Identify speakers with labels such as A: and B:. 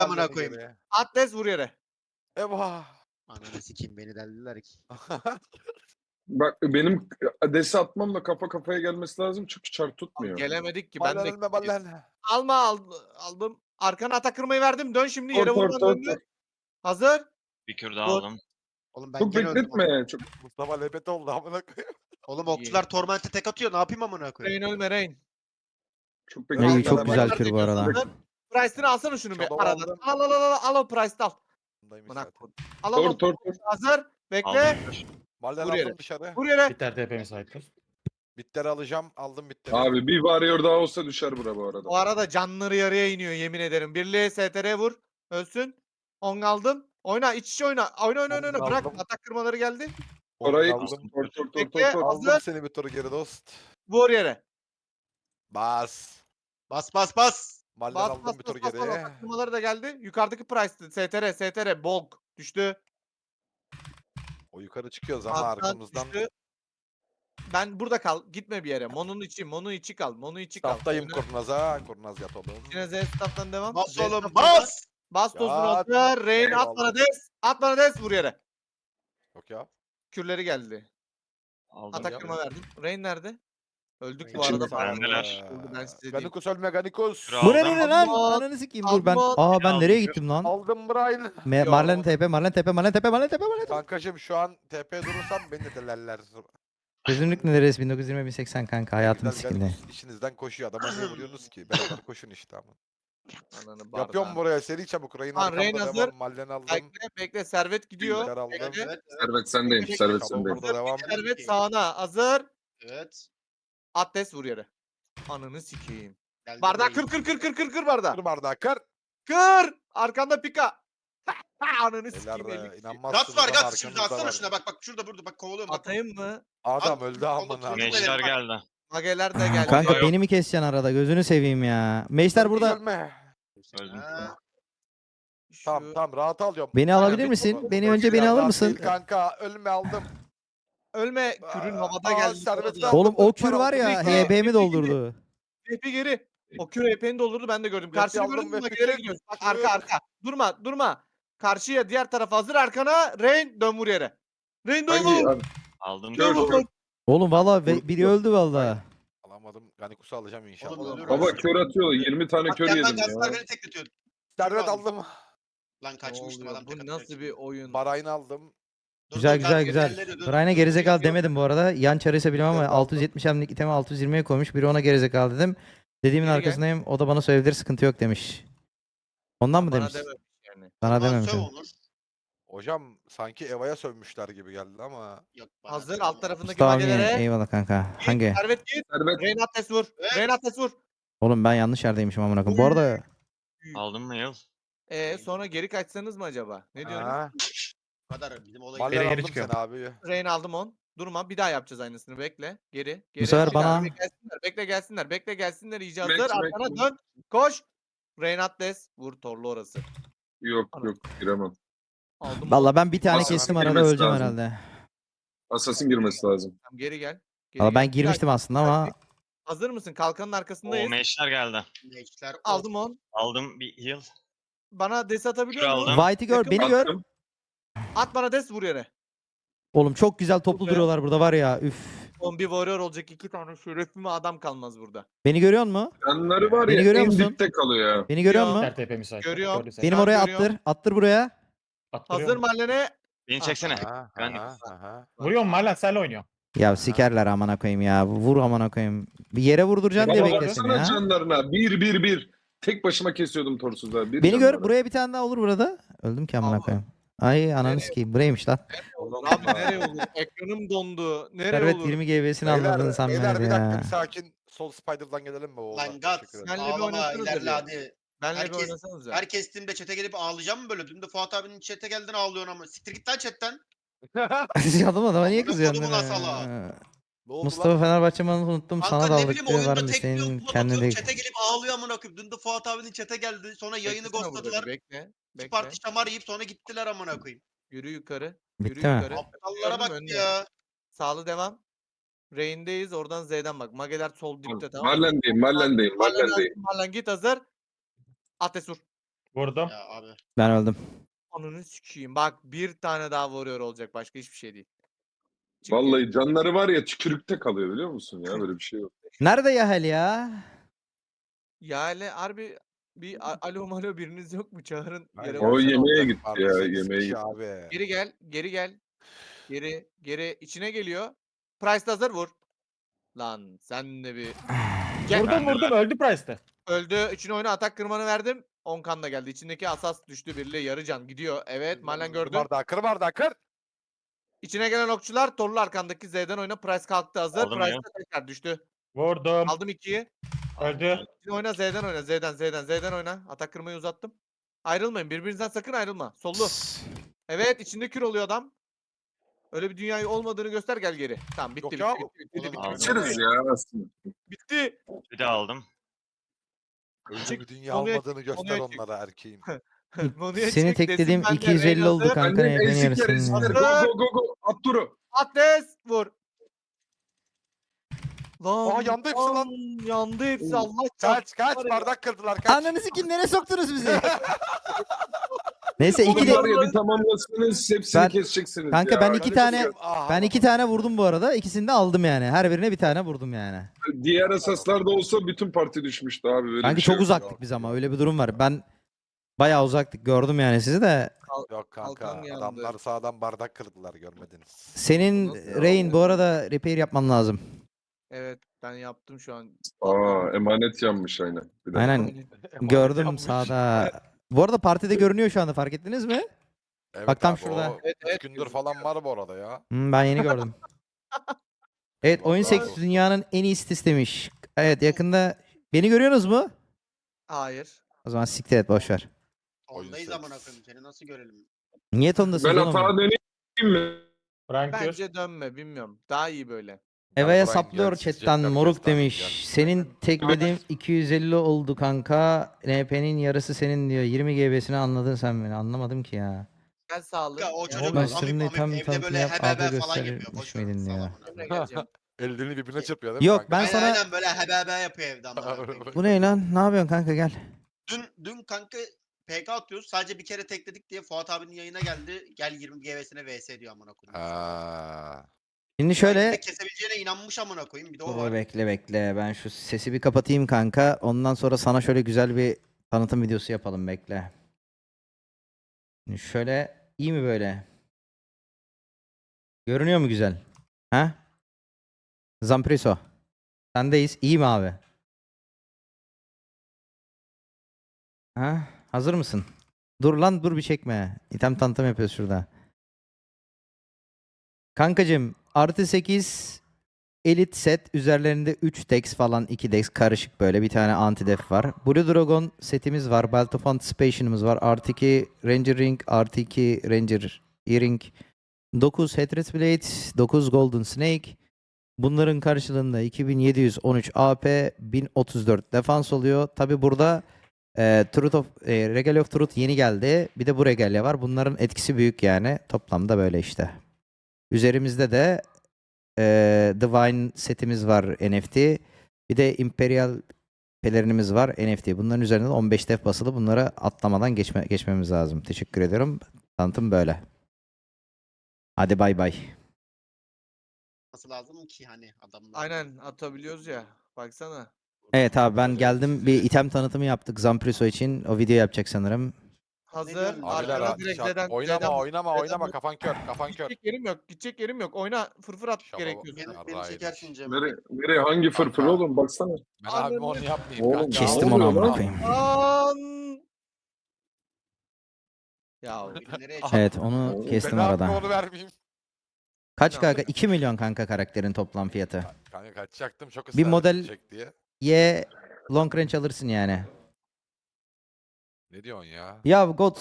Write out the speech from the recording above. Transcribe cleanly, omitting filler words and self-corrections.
A: amına koyayım.
B: Geriye.
C: Atlas vur yere.
B: Eyvah.
A: Ananı sikeyim beni deldiler ki.
D: Bak benim adesi atmamla kafa kafaya gelmesi lazım çünkü çar tutmuyor.
C: Gelemedik ki ben
B: Ballen
C: de.
B: ölme ballen.
C: Aldım. Arkana atak kırmayı verdim. Dön şimdi
D: Tor
C: yere
D: tor
C: vurman
D: tor
C: döndü.
D: tor.
C: Hazır.
E: Bir kür daha
C: Dur.
E: aldım.
A: Oğlum ben
D: Çok
A: gene öldüm.
D: bekletme. Çok
B: Mustafa lebet oldu amına koyayım.
A: Oğlum okçular tormente tek atıyor. Ne yapayım amına koyayım?
C: Rain ölme Rain.
D: çok
B: İyi,
D: bekletme.
F: İyi çok
B: Beraber
F: güzel
C: Hazır.
F: kür bu arada.
C: Price'ını alsana şunu bir
B: Shadow
C: arada.
B: aldım.
C: Al o Price'ını al.
B: Bundaymış
C: Bırak
B: zaten.
C: bunu. Al
D: Tor
C: o.
D: tor tor.
C: Hazır. Bekle.
E: Aldım kür.
B: Ballen
C: Vur yere.
B: aldım dışarı.
C: Vur yere.
G: Bitter TP müsaittir.
B: Bitleri alacağım. Aldım bitleri.
D: Abi bir varıyor daha olsa düşer bura bu arada.
C: O arada canları yarıya iniyor yemin ederim. Birliğe STR vur. Ölsün. 10 aldım. Oyna iç içe oyna. Oyna.
B: Aldım,
C: Bırak
B: aldım.
C: atak kırmaları geldi.
D: Orayı
B: aldım.
D: tor tor tor
C: Bekle.
D: tor tor.
B: Aldım
C: Hazır.
B: seni bir turu geri dost.
C: Vur yere.
B: Bas.
A: Bas bas bas.
B: Ballen
C: Bas
B: aldım
C: bas
B: bir tur
C: bas bas.
B: geri.
C: Atak kırmaları da geldi. Yukarıdaki Price'tı. STR. Bolk. Düştü.
B: O yukarı çıkıyoruz ama
C: Alttan
B: arkamızdan.
C: düştü. Ben burada kal. Gitme bir yere. Mono'nun içi kal.
B: Staftayım
C: Oyna.
B: kurnaza. Kurnaz yat oğlum.
C: Yine Z staff'tan devam.
A: Bas
C: Z
A: oğlum
C: staff'tan
A: bas.
C: Bas tozunu
B: Ya,
C: hazır. Rain at
B: eyvallah.
C: bana des. At bana des vur yere.
B: Yok ya.
C: Kürleri geldi.
E: Aldım.
C: Atak
B: ya.
C: kırma verdim. Rain nerede? Öldük bu
D: İçinde.
C: arada.
E: Bendeler.
C: Ben size diyeyim.
B: Ganikus ölme Ganikus.
E: Kür
F: Bu ne
E: aldım.
F: ne lan?
C: Aldım.
F: Ananı sikeyim dur ben.
C: Aldım.
F: Aa ben
E: Aldım.
F: nereye gittim lan?
B: Aldım Brian.
F: Marlen TP, Marlen TP, Marlen TP, Marlen TP, Marlen TP.
B: Kankacım şu an TP durursam beni de delerler.
F: Gözünlük neresi 1920 1080 kanka hayatımın
B: Güzel,
F: sikinde.
B: Ganikus işinizden koşuyor. Adama niye vuruyorsunuz ki? Beraber koşun işte ama.
C: Ananı
B: Yapıyorum
C: bardağı.
B: buraya seri çabuk. Rayın
C: Tamam, Rain
B: arkamda
C: hazır.
B: devam. Mallen aldım.
C: Bekle. Servet gidiyor.
B: Bilgiler aldım.
C: Bekle.
A: Evet.
D: Servet sendeyim.
C: Bekle.
D: Servet
B: Shadow
D: sendeyim.
B: burada devam.
C: Servet sağına. Hazır.
A: Evet.
C: Atlas vur yere. Ananı sikeyim.
A: Geldim
C: Bardak
A: Rain.
C: kır bardağı.
B: Kır bardağı kır.
C: Kır. Arkanda pika. Ananı
B: Beyler
C: sikeyim. elli.
B: inanmazsınız
A: Gat var
B: ama
A: gat şimdi
B: arkamızda
A: atsana
B: var.
A: şuna bak şurada burada bak kovalıyorum bak.
C: Atayım mı?
B: Adam
A: At,
B: öldü
A: oğlum,
B: amına.
A: çocuk
E: Meşler geldi.
C: Mageler de geldi.
F: Kanka
E: Yok.
F: beni mi keseceksin arada? Gözünü seveyim ya. Meşler burada.
B: Ölme.
E: Öldüm.
A: Ha,
C: Şu-
B: Tamam rahat alıyorum.
F: Beni alabilir
B: Aynen,
F: misin?
B: bu-
F: Beni
B: bu-
F: önce
B: bu-
F: beni
B: rahat
F: alır mısın?
B: değil Kanka ölme aldım.
C: Ölme kürün havada
B: Aa,
C: geldi.
B: servet
C: Havada.
F: Oğlum o
B: Aldım,
F: kür var ya
B: aldım.
F: HB'mi doldurdu.
C: Hepi geri. O kür HP'ni doldurdu ben de gördüm.
B: Hepi
C: Karşıya
B: aldım
C: gördün mü?
B: ve
C: Magelere
B: bütün
C: gidiyoruz. Bak
B: kür-
C: arka. Durma. Karşıya diğer tarafa hazır arkana. Rain dön vur yere. Rain dön
D: Hangi?
C: vur.
E: Aldım
D: Kör,
E: kür.
D: kör.
F: Oğlum valla biri öldü valla.
B: Alamadım. Ganikus'u alacağım inşallah.
A: Oğlum ölür
D: Baba
A: orası.
D: kör atıyor. 20 tane
A: Bak
D: kör
A: yandan
D: yedim
A: gazlar
D: ya.
A: beni tekletiyor.
B: Servet
A: aldım.
B: aldım.
A: Lan
C: Ne
A: kaçmıştım
C: oluyor?
A: adam.
C: Bu nasıl bir oyun?
B: Barayını aldım.
A: Dur,
F: Güzel
A: dur, dur,
F: güzel.
A: dur, dur,
F: Brian'a
A: dur,
F: gerizekalı
A: dur,
F: demedim bu arada. Yan çarıysa bilmem ama
B: Evet,
F: 670 hemlik itemi 620'ye koymuş. Biri ona gerizekalı dedim. Dediğimin
C: Geri gel.
F: arkasındayım. O da bana söyleyebilir sıkıntı yok demiş. Ondan mı
C: Bana
F: demiş?
C: dememiş yani.
F: Bana
A: Ulan
F: dememiş.
A: söv
F: o.
A: Onur.
B: Hocam sanki Eva'ya sövmüşler gibi geldi ama.
A: Yok, bana
C: Hazır
A: söv
C: alt
A: Onur.
C: tarafındaki
F: Mustafa abi
C: magelere.
F: eyvallah kanka. Hangi?
C: Servet git.
D: Servet.
C: Rain Atlas vur.
A: Evet.
C: Rain Atlas vur.
F: Oğlum ben yanlış yerdeymişim amına koyayım. Bu arada
E: Aldım mı yıl?
C: Sonra geri kaçsanız mı acaba? Ne diyorsunuz?
B: Ha.
A: Bu kadar bizim olayı.
B: Mallen
G: geri
B: aldım
G: çıkıyor.
B: seni abi.
C: Rain aldım 10. Durma bir daha yapacağız aynısını. Bekle. Geri.
F: sefer
C: Bekle,
F: bana-
C: Bekle gelsinler. İyice
D: Mek,
C: hazır.
D: mek,
C: Arkana
D: mek.
C: dön. Koş. Rain Atlas. Vur torlu orası.
D: Yok giremem.
C: Aldım.
F: valla ben bir tane
D: Asasın
F: kestim arada
D: girmesi
F: öleceğim
D: lazım.
F: herhalde.
D: Assassin girmesi lazım.
C: Tamam, geri gel. Geri
F: Valla ben
C: gel.
F: girmiştim aslında ama
C: Hazır mısın? Kalkanın
E: O
C: arkasındayız.
E: meşler geldi.
A: Meşler
C: Aldım 10.
E: Aldım bir heal.
C: Bana des atabiliyor
E: Kür
C: musun?
E: aldım.
F: White'i gör
C: Yakın
F: beni gör.
D: Attım.
C: At bana des vur yere.
F: Oğlum çok güzel toplu
C: Buraya.
F: duruyorlar burada var ya üf.
C: Son bir warrior olacak 2 tane şerefime adam kalmaz burada.
F: Beni görüyor musun?
D: Yanları var
F: Beni
D: ya
F: görüyor
D: en
F: musun?
D: dipte kalıyor ya.
F: Beni görüyor
C: Yo.
F: musun?
G: Bitter TP müsaittir.
C: Görüyorum.
G: Gördüysen.
F: Benim
C: Ben
F: oraya
C: görüyorum.
F: attır. Attır buraya.
G: Attırıyorum.
C: Hazır Marlene.
E: Beni çeksene.
B: Aha,
E: Ben-
B: aha.
G: Vuruyorum Marlen senle oynuyor.
F: Ya sikerler amına koyayım ya. Vur amına koyayım. Bir yere vurduracaksın diye
D: Baba
F: bekledim
D: baksana
F: ya.
D: canlarına. 1-1-1. Tek başıma kesiyordum torsuzlar.
F: Beni gör. Buraya bir tane daha olur burada. Öldüm ki amına
C: Allah.
F: koyayım. Ay ananı sikeyim. Buraymış lan.
C: Abi nereye olur? Ekranım dondu. Nereye
F: Servet
C: olur?
F: 20 GB'sini anladın sen
B: beyler
F: beni
B: bir dakika
F: ya.
B: bir sakin. Sol Spider'dan gelelim mi oğlum?
A: Lan Gat.
B: Teşekkür ederim.
C: Benle bir
A: Ağlama
C: oynasanıza
A: ilerle
C: bir.
A: hadi.
C: Benle bir
A: Herkes-
C: oynasanız ya.
A: Her kestiğimde chat'e gelip ağlayacağım mı böyle? Dün de Fuat abinin chat'e geldin ağlıyorsun ama. Siktir git lan chat'ten.
F: Adama niye
A: Amına
F: kızıyorsun?
A: kodumun
F: ya?
A: asala.
B: Ne oldu
F: Mustafa
B: lan?
F: Fenerbahçe malı unuttum. Sana da
A: Kanka ne
F: aldık
A: bileyim
F: diye
A: oyunda
F: var mı
A: tek bir
F: senin
A: yoluma
F: kendine
A: bakıyorum
F: değil.
A: chat'e gelip ağlıyor amına koyayım. Dün de Fuat abinin chat'e geldi. Sonra yayını
C: Beklesene burada bir,
A: ghostladılar.
C: Bekle.
A: İki
C: Bekle.
A: parti şamar yiyip sonra gittiler amına koyayım.
C: Yürü yukarı.
F: Bitti
C: Yürü
F: mi?
C: yukarı.
A: Aptallara bak
C: Önde.
A: ya.
C: Sağlı devam. Rain'deyiz. Oradan Z'den bak. Mageler sol dipte tamam mı?
D: Marlen'deyim.
C: Marlen git hazır. Ates vur.
G: Vurdum.
A: Ya abi.
F: Ben öldüm.
C: Ananı sikeyim. Bak bir tane daha vuruyor olacak. Başka hiçbir şey değil. Çık
D: Vallahi canları var ya tükürükte kalıyor biliyor musun ya böyle bir şey yok.
F: Nerede Yahel ya?
C: Ya hele harbi bir alo malo biriniz yok mu? Çağırın.
B: Hayır,
C: Yere
D: O
C: bak.
B: gelsene
D: yemeğe
B: olacak.
D: gitti
B: Harbi
D: ya,
B: 8
D: yemeğe
B: kişi
D: gitti.
B: abi.
C: Geri gel. Geri gel. Geri içine geliyor. Price de hazır vur. Lan sen de bir Gel.
G: Vurdum öldü Price'te.
C: öldü. İçine oyna atak kırmanı verdim. 10 kan da geldi. İçindeki asas düştü birliğe yarı can gidiyor. Evet Malen
B: Kır
C: gördü.
B: bardağı, kır bardağı, kır.
C: İçine gelen okçular torlu arkandaki Z'den oyna. Price kalktı hazır.
E: Aldım
C: Price
E: ya.
C: de tekrar düştü.
G: Vurdum.
C: Aldım 2'yi.
G: Öldü.
C: Şimdi oyna Z'den oyna. Z'den oyna. Atak kırmayı uzattım. Ayrılmayın. Birbirinizden sakın ayrılma. Sollu. Evet içinde kür oluyor adam. Öyle bir dünya olmadığını göster gel geri. Tamam bitti
B: Yok
C: bitti
B: ya.
C: bitti bitti bitti,
E: Aldım.
C: bitti,
D: Kaçırız ya aslında.
C: bitti.
E: Bir de aldım.
B: Öyle
C: Çık,
B: bir dünya
C: konuya çık,
B: olmadığını göster
C: konuya çık.
B: onlara erkeğim.
C: Monuya
F: Seni
C: çık,
F: teklediğim
C: desin ben de
F: 250
C: Rain
F: oldu
C: hazır.
F: kanka.
D: Benden
F: Beni
D: ezik
F: yarısın
D: ezikler.
F: ya.
D: Go go go go. At turu.
C: Atlas vur. Lan
B: Aa, yandı hepsi lan.
C: Yandı hepsi
D: Oo.
C: Allah
B: Kaç kaç
C: var ya.
B: bardak kırdılar kaç.
F: Ananı sikim nereye soktunuz bizi? Neyse
D: Oğlum
F: iki de
D: var ya bir tamamlasınız hepsini
F: Ben-
D: keseceksiniz
F: kanka
D: ya.
F: ben iki tane
B: Ah,
F: ben iki tane vurdum bu arada. İkisini de aldım yani. Her birine bir tane vurdum yani.
D: Diğer asaslarda olsa bütün parti düşmüştü abi. Böyle
F: Kanka
D: bir şey
F: çok
D: yok.
F: uzaktık biz ama öyle bir durum var. Ben bayağı uzaktık gördüm yani sizi de.
B: Yok kanka
C: Kalkan yandı.
B: adamlar sağdan bardak kırdılar görmediniz.
F: Senin
C: Nasıl
F: Rain bu arada repair yapman lazım.
C: Evet ben yaptım şu an.
D: Aa emanet yanmış aynen. Bir dakika.
F: Aynen gördüm
B: Yanmış.
F: sağda. Bu arada partide görünüyor şu anda fark ettiniz mi?
B: Evet
F: Bak tam
B: abi,
F: şurada.
B: o
C: Evet,
B: üç
C: evet,
B: gündür falan var bu arada ya.
F: Ben yeni gördüm. Evet oyun
B: Vallahi
F: seksi
B: olsun.
F: dünyanın en iyisi istemiş. Evet yakında beni görüyorsunuz mu?
C: Hayır.
F: O zaman siktir et boşver.
A: Ondayız
B: seks.
A: amına koyayım seni nasıl görelim?
F: Niye tondasınız
D: Ben
F: oğlum?
D: atağa döneyim mi?
G: Frank Kür.
C: Bence dönme bilmiyorum. Daha iyi böyle.
F: Eva'ya
B: Frank
F: saplıyor
B: gelsin,
F: chatten
B: cidden
F: moruk
B: göster,
F: demiş.
B: gel.
F: Senin teklediğim 250 oldu kanka. NP'nin yarısı senin diyor. 20 GB'sini anladın sen beni. Anlamadım ki ya.
C: Gel sağlık.
A: Ya o
C: Ya,
A: çocuk
F: Başlarında
A: amip
F: tam
A: amip evde
F: tanıtımı
A: böyle
F: yap,
A: hebebe
F: abi
A: falan
F: gösterir
A: yapıyor. Boş
F: miydin
A: ver
F: ya?
A: salak
C: Emre
A: ona.
C: geleceğim.
B: Ellerini birbirine çırpıyor değil mi
F: Yok
B: kanka?
F: ben
A: Aynen
F: sana...
A: aynen böyle hebebe yapıyor evde amına koyayım.
F: Bu ne lan? Ne yapıyorsun kanka gel.
A: Dün kanka PK atıyoruz. Sadece bir kere tekledik diye Fuat abinin yayına geldi. Gel 20 GV'sine VS diyor amına koyayım.
B: Aa,
F: Şimdi
A: Bir
F: şöyle...
A: de kesebileceğine inanmış amına koyayım. Bir de o
F: Dur
A: var.
F: bekle. Ben şu sesi bir kapatayım kanka. Ondan sonra sana şöyle güzel bir tanıtım videosu yapalım bekle. Şimdi şöyle iyi mi böyle? Görünüyor mu güzel? Ha? Zampriso. Sendeyiz. İyi mi abi? Ha? Hazır mısın? Dur lan dur bir çekme. İtem tanıtım yapıyoruz şurada. Kankacım artı 8 Elite set üzerlerinde 3 dex falan 2 dex karışık böyle bir tane anti-def var. Blue Dragon setimiz var. Belt of Anticipation'ımız var. Artı 2 Ranger Ring, artı 2 Ranger Earring, 9 Hatred Blade, 9 Golden Snake. Bunların karşılığında 2713 AP, 1034 defans oluyor. Tabi burada Regalia of Truth yeni geldi. Bir de bu Regalia var. Bunların etkisi büyük yani. Toplamda böyle işte. Üzerimizde de Divine setimiz var NFT. Bir de Imperial pelerinimiz var NFT. Bunların üzerinde de 15 def basılı. Bunları atlamadan geçmemiz lazım. Teşekkür ediyorum. Tanıtım böyle. Hadi bay bay.
A: Nasıl lazım ki hani adamlar.
C: Aynen atabiliyoruz ya. Baksana.
F: Evet abi ben geldim. Bir item tanıtımı yaptık Zampriso için. O video yapacak sanırım.
C: Hazır.
A: diyorsun?
B: abiler
C: Arkana
B: abi,
C: direkt
B: şart-
C: Z'den.
B: oynama kafan kör kafan kör.
C: Gidecek yerim yok. Oyna fırfır at
B: Şaba-
C: gerekiyorsa.
A: Beni
B: Yarrağı
A: çekersin Cem.
D: Nereye hangi fırfır
B: Kanka.
D: oğlum baksana.
B: Ben abim onu yapmayayım
D: Oğlum,
B: kanka.
F: Kestim
D: ne
F: onu
D: oluyor
F: amına
D: lan?
F: koyayım.
C: Lan. Ya
A: Nereye
F: Evet onu
D: Ben
F: kestim
B: Ben abime
F: arada.
B: onu vermeyeyim.
F: Kaç kanka? 2 milyon kanka karakterin toplam fiyatı.
B: Kanka kaçacaktım çok
F: Bir
B: ısrar
F: model-
B: edecek diye.
F: Y long range alırsın yani.
B: Ne diyorsun ya?
F: Ya God